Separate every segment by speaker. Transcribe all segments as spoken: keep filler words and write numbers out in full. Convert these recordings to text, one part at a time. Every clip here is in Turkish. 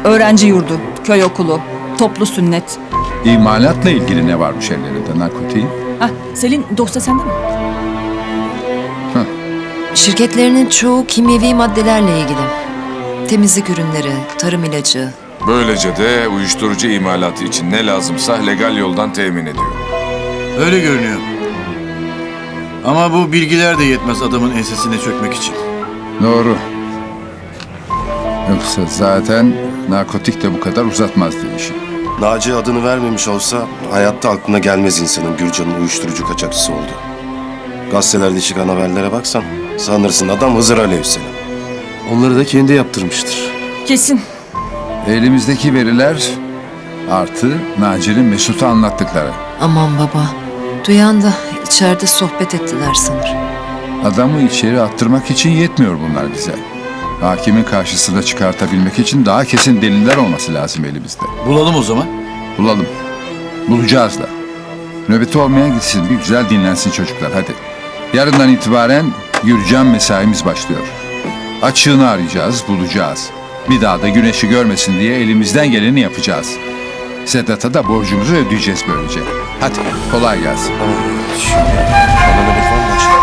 Speaker 1: Öğrenci yurdu, köy okulu, toplu sünnet.
Speaker 2: İmalatla ilgili ne varmış ellerinde narkotiğin?
Speaker 1: Hah, Selin dosya sende mi?
Speaker 3: Şirketlerinin çoğu kimyevi maddelerle ilgili. Temizlik ürünleri, tarım ilacı.
Speaker 4: Böylece de uyuşturucu imalatı için ne lazımsa legal yoldan temin ediyor.
Speaker 5: Öyle görünüyor. Ama bu bilgiler de yetmez adamın ensesine çökmek için.
Speaker 2: Doğru. Yoksa zaten narkotik de bu kadar uzatmazdı işi.
Speaker 6: Naci adını vermemiş olsa hayatta aklına gelmez insanın Gürcan'ın uyuşturucu kaçakçısı oldu. Gazetelerde çıkan haberlere baksan sanırsın adam Hızır Aleyhisselam. Onları da kendi yaptırmıştır.
Speaker 1: Kesin.
Speaker 2: Elimizdeki veriler artı Naci'nin Mesut'a anlattıkları.
Speaker 3: Aman baba. Duyan da içeride sohbet ettiler sanır.
Speaker 2: Adamı içeri attırmak için yetmiyor bunlar bize. Hakimin karşısına çıkartabilmek için daha kesin deliller olması lazım elimizde.
Speaker 5: Bulalım o zaman.
Speaker 2: Bulalım. Bulacağız da. Nöbeti olmayan gitsin, bir güzel dinlensin çocuklar, hadi. Yarından itibaren Gürcan mesaimiz başlıyor. Açığını arayacağız, bulacağız. Bir daha da güneşi görmesin diye elimizden geleni yapacağız. Sedat'a da borcumuzu ödeyeceğiz böylece. Hadi, kolay gelsin.
Speaker 6: Bana nöbet var mı başka?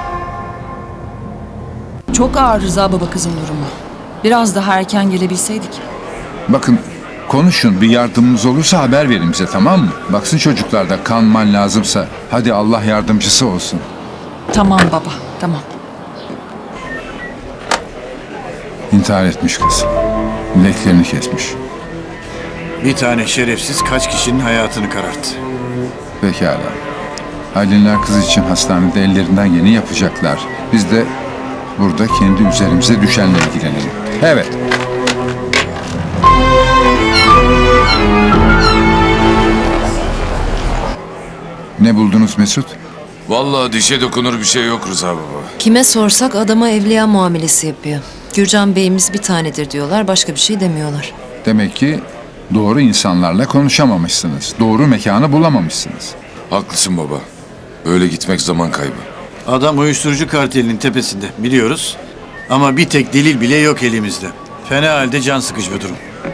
Speaker 1: Çok ağır Rıza baba kızın durumu. Biraz daha erken gelebilseydik.
Speaker 2: Bakın, konuşun, bir yardımımız olursa haber verin bize, tamam mı? Baksın çocuklar da kan man lazımsa, hadi Allah yardımcısı olsun.
Speaker 1: Tamam baba, tamam.
Speaker 2: İntihar etmiş kız. Bileklerini kesmiş.
Speaker 5: Bir tane şerefsiz kaç kişinin hayatını kararttı.
Speaker 2: Pekala. Halinler kız için hastanede ellerinden geleni yapacaklar. Biz de burada kendi üzerimize düşenle ilgilenelim. Evet. Ne buldunuz Mesut?
Speaker 4: Vallahi dişe dokunur bir şey yok Rıza baba.
Speaker 3: Kime sorsak adama evliya muamelesi yapıyor. Gürcan Bey'imiz bir tanedir diyorlar, başka bir şey demiyorlar.
Speaker 2: Demek ki doğru insanlarla konuşamamışsınız. Doğru mekanı bulamamışsınız.
Speaker 4: Haklısın baba. Böyle gitmek zaman kaybı.
Speaker 5: Adam uyuşturucu kartelinin tepesinde biliyoruz. Ama bir tek delil bile yok elimizde. Fena halde can sıkıcı bir durum.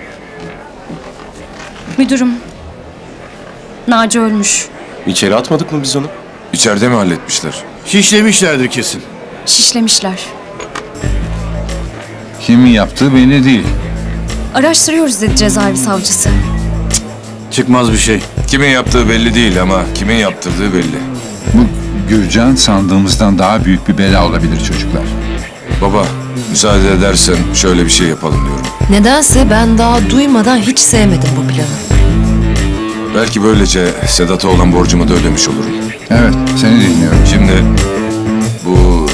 Speaker 7: Müdürüm, Naci ölmüş.
Speaker 6: İçeri atmadık mı biz onu?
Speaker 4: İçeride mi halletmişler?
Speaker 5: Şişlemişlerdir kesin.
Speaker 7: Şişlemişler.
Speaker 2: Kimin yaptığı belli değil.
Speaker 7: Araştırıyoruz dedi cezaevi savcısı.
Speaker 5: Çıkmaz bir şey.
Speaker 4: Kimin yaptığı belli değil ama kimin yaptırdığı belli.
Speaker 2: Bu Gürcan sandığımızdan daha büyük bir bela olabilir çocuklar.
Speaker 4: Baba, müsaade edersen şöyle bir şey yapalım diyorum.
Speaker 3: Nedense ben daha duymadan hiç sevmedim bu planı.
Speaker 4: Belki böylece Sedat'a olan borcumu da ödemiş olurum.
Speaker 2: Evet, seni dinliyorum.
Speaker 4: Şimdi bu...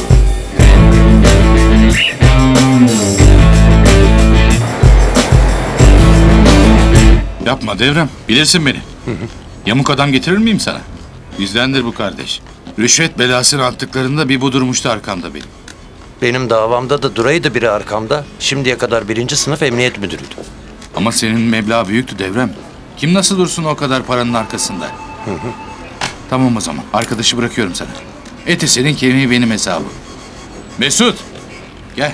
Speaker 8: Yapma Devrem, bilirsin beni. Yamuk adam getirir miyim sana? Bizdendir bu kardeş. Rüşvet belasını attıklarında bir bu durmuştu arkamda benim.
Speaker 9: Benim davamda da duraydı biri arkamda. Şimdiye kadar birinci sınıf emniyet müdürüydü.
Speaker 8: Ama senin meblağ büyüktü Devrem. Kim nasıl dursun o kadar paranın arkasında? Tamam o zaman, arkadaşı bırakıyorum sana. Eti senin, kemiği benim hesabım. Mesut, gel.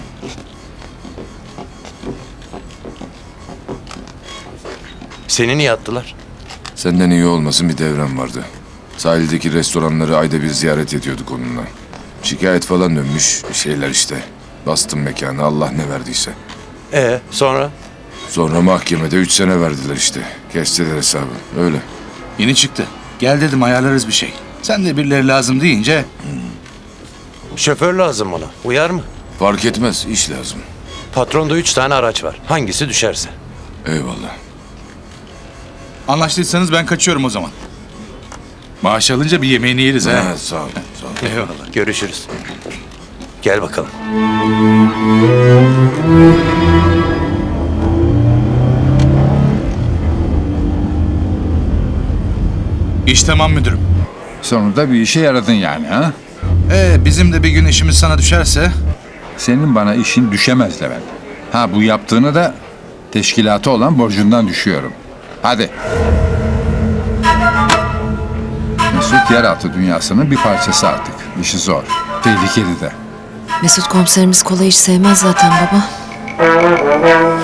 Speaker 9: Seni niye attılar?
Speaker 4: Senden iyi olmasın bir devrem vardı. Sahildeki restoranları ayda bir ziyaret ediyorduk onunla. Şikayet falan dönmüş, bir şeyler işte. Bastım mekanı, Allah ne verdiyse.
Speaker 9: Ee, sonra?
Speaker 4: Sonra mahkemede üç sene verdiler işte. Kestiler hesabı, öyle.
Speaker 8: Yeni çıktı. Gel dedim, ayarlarız bir şey. Sen de birileri lazım deyince...
Speaker 9: Şoför lazım ona. Uyar mı?
Speaker 4: Fark etmez, iş lazım.
Speaker 9: Patronda üç tane araç var. Hangisi düşerse.
Speaker 4: Eyvallah.
Speaker 8: Anlaştıysanız ben kaçıyorum o zaman. Maaş alınca bir yemeğini yeriz ha.
Speaker 4: Ha, sağ ol, sağ ol.
Speaker 8: Eyvallah.
Speaker 9: Görüşürüz. Gel bakalım.
Speaker 8: İş tamam müdürüm.
Speaker 2: Sonunda bir işe yaradın yani ha?
Speaker 8: Ee, bizim de bir gün işimiz sana düşerse...
Speaker 2: Senin bana işin düşemez Levent. Ha bu yaptığını da teşkilatı olan borcundan düşüyorum. Hadi. Mesut yeraltı dünyasının bir parçası artık. İşi zor. Tehlikeli de.
Speaker 3: Mesut komiserimiz kolay iş sevmez zaten baba.